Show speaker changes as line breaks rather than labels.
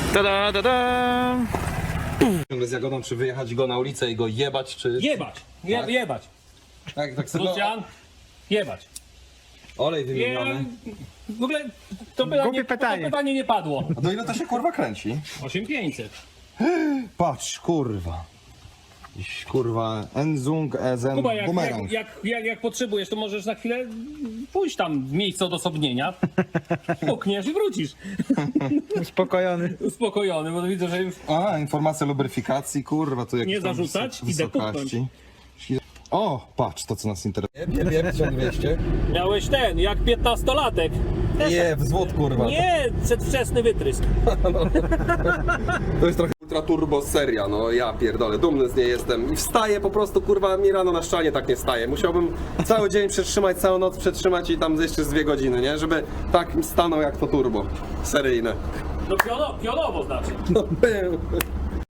Tada, tada.
Z Jagodą, czy wyjechać go na ulicę i go jebać, czy...
Jebać! Jebać!
Tak sobie...
Lucian, jebać!
Olej wymieniony.
W ogóle to
Głupie pytanie.
to pytanie nie padło.
A do ile to się kurwa kręci?
8500.
Patrz, kurwa. Jakiś, kurwa, Enzung, Ezen,
Kuba,
bumerang.
jak potrzebujesz, to możesz na chwilę pójść tam w miejsce odosobnienia, pukniesz i wrócisz.
Uspokojony.
Uspokojony, bo widzę, że już
A, informacja lubryfikacji, kurwa, tu jakieś
Nie
tam
zarzucać, idę
wysokości. O, patrz, to co nas interesuje. Jeb, 1200.
miałeś ten, jak 15-latek.
Nie, wzwód, kurwa.
Nie, przedwczesny wytrysk.
To jest trochę ultra turbo seria, no ja pierdolę, dumny z niej jestem. I wstaję po prostu, kurwa, mi rano na szczanie tak nie wstaje. Musiałbym cały dzień przetrzymać, całą noc przetrzymać i tam jeszcze z 2 godziny, nie? Żeby tak stanął jak to turbo seryjne.
No pionowo znaczy.
No był.